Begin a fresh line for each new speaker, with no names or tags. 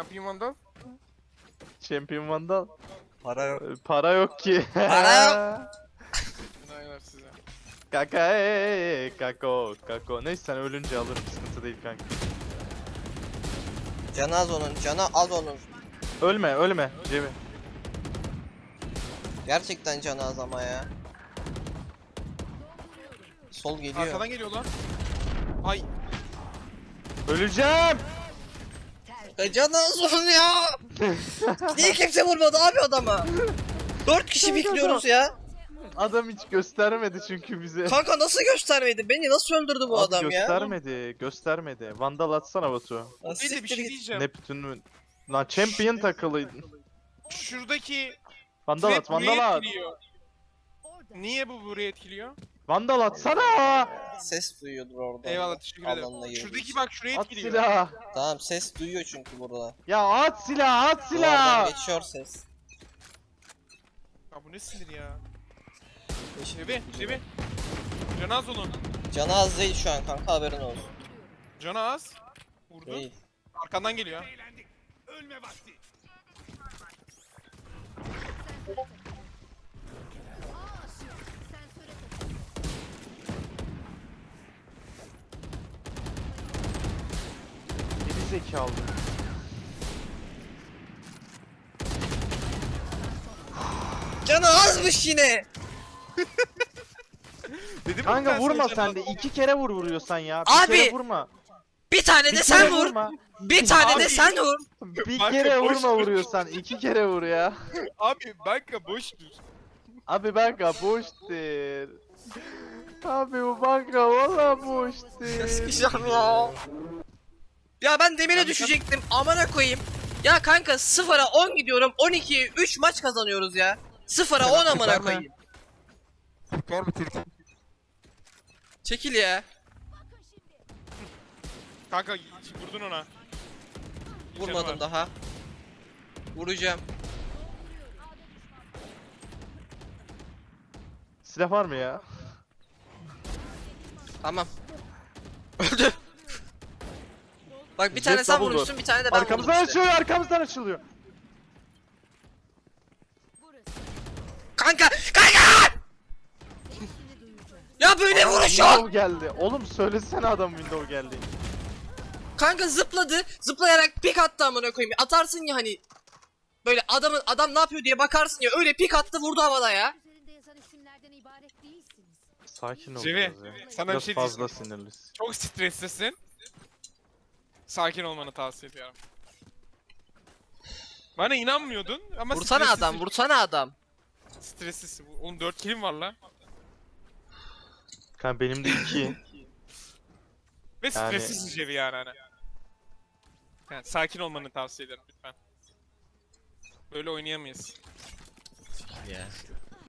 Champion Vandal.
Champion Vandal.
Para yok.
Para yok ki.
Para yok.
Aynen size.
Kaka kako. Neyse sen ölünce alırım, sıkıntı değil kanka.
Canı az onun, canı az onun.
Ölme Cemil.
Gerçekten canı az ama ya. Sol geliyor.
Arkadan geliyor lan. Ay.
Öleceğim.
Canı az onun ya. Niye kimse vurmadı abi adama? 4 kişi bekliyoruz ya.
Adam hiç göstermedi çünkü bize.
Kanka nasıl göstermedi? Beni nasıl öldürdü bu
Abi
adam ya?
göstermedi. Vandal atsana Batu.
Lan
Bir de bir
siktir
şey
git.
diyeceğim.
Neptün lan champion takılıydın.
Şuradaki
Vandal
trap
at, Vandal
burayı
at.
etkiliyor. Niye bu burayı etkiliyor?
Vandal atsana.
Ses duyuyordur orada.
Eyvallah, teşekkür ederim.
Alanına girdiği
Şuradaki
için.
bak şurayı
At
etkiliyor.
silah.
Tamam ses duyuyor çünkü burada.
Ya at silah, at
Duvardan
silah.
geçiyor ses.
Ya bu ne sinir ya? Cebi. Canı az onun.
Canı az değil şu an kanka, haberin olsun.
Canı az. Vurdu.
Değil.
Arkandan geliyor.
Geri zekalı.
Canı azmış yine.
Dedim
Kanka vurma sen de. 2 kere vuruyorsan ya. Bir
Abi,
kere vurma.
Bir tane
Bir
de sen
kere
vur.
vurma.
Bir tane de
Abi.
sen vur.
Bir
Kanka,
kere
boş
vurma
ver.
vuruyorsan. 2 kere vur ya.
Abi banka boştur.
Abi banka boştur. Abi bu banka valla boştur.
Sıkışacağım ya. Ya ben demire
Abi,
düşecektim. Amına koyayım. Ya kanka 0'a 10 gidiyorum. 12'ye 3 maç kazanıyoruz ya. 0'a 10 amına
Verme.
koyayım.
Var mı Türkiye?
Çekil ya.
Kanka vurdun ona.
Vurmadım daha. Vuracağım.
Silah var mı ya?
Tamam. Öldü. Bak bir
Jet
tane sen
double door.
vurmuşsun, bir tane de ben vurdum
Arkamızdan
işte.
açılıyor, arkamızdan açılıyor.
Kanka! Kanka! Ya böyle vuruş yok!
Window geldi. Oğlum söylesene adam window geldi.
Kanka zıpladı. Zıplayarak pik attı amına koyayım. Atarsın ya hani. Böyle adam ne yapıyor diye bakarsın ya. Öyle pik attı, vurdu havada ya.
Üzerinde yazan isimlerden ibaret değilsiniz.
Sakin ol
Cevi,
biraz ya.
sana bir
Biraz
şey
fazla
diyeceğim.
sinirlisin.
Çok streslisin. Sakin olmanı tavsiye ediyorum. Bana inanmıyordun ama
Vursana
streslisin.
adam, vursana adam.
Streslisin. Oğlum 4 kilim var lan.
Kanka benim de 2.
Ve
Yani-
streslisin Cevi yani hani. Yani sakin olmanı tavsiye ederim lütfen. Böyle oynayamayız.
Ya.